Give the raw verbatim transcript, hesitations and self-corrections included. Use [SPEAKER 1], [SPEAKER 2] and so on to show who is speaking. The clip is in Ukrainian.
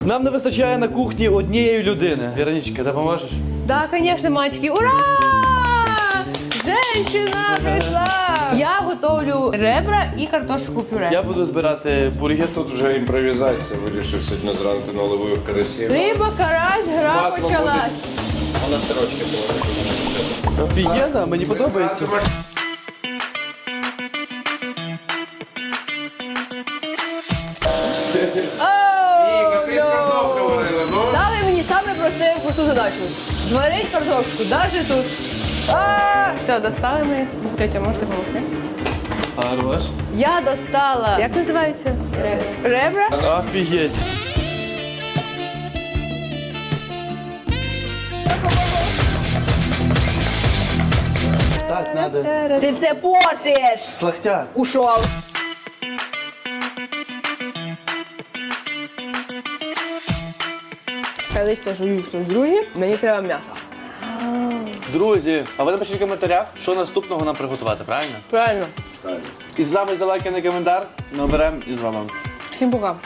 [SPEAKER 1] Нам не вистачає на кухні однієї людини. Вероничка, допоможеш?
[SPEAKER 2] Да, конечно, мальчики. Ура! Женщина прийшла! Я готовлю ребра і картошку пюре.
[SPEAKER 1] Я буду збирати бургер.
[SPEAKER 3] Тут вже імпровізація, вирішив сьогодні зранку наловив карасів.
[SPEAKER 2] Риба, карась, гра
[SPEAKER 3] Масло
[SPEAKER 2] почалась.
[SPEAKER 3] Вона строчки була.
[SPEAKER 1] Офігенно, мені подобається.
[SPEAKER 2] Оу,
[SPEAKER 3] Ти з картоплею варила, ну?
[SPEAKER 2] Дали мені саме просте, просту задачу. Зварить картошку, навіть тут. А, все, достали ми. Тетя, можете допомогти?
[SPEAKER 1] Хорош.
[SPEAKER 2] Я достала. Як називається? Ребра.
[SPEAKER 1] Офігеть. Так, надо.
[SPEAKER 2] Ти все портиш.
[SPEAKER 1] Слахтя.
[SPEAKER 2] Ушов. Я листя жую хтось друзі. Мені треба м'ясо.
[SPEAKER 1] Друзі, а ви напишіть в коментарях, що наступного нам приготувати, правильно?
[SPEAKER 2] Правильно.
[SPEAKER 1] І з вами за лайк і коментар. Ми оберемо і з вами.
[SPEAKER 2] Всім пока.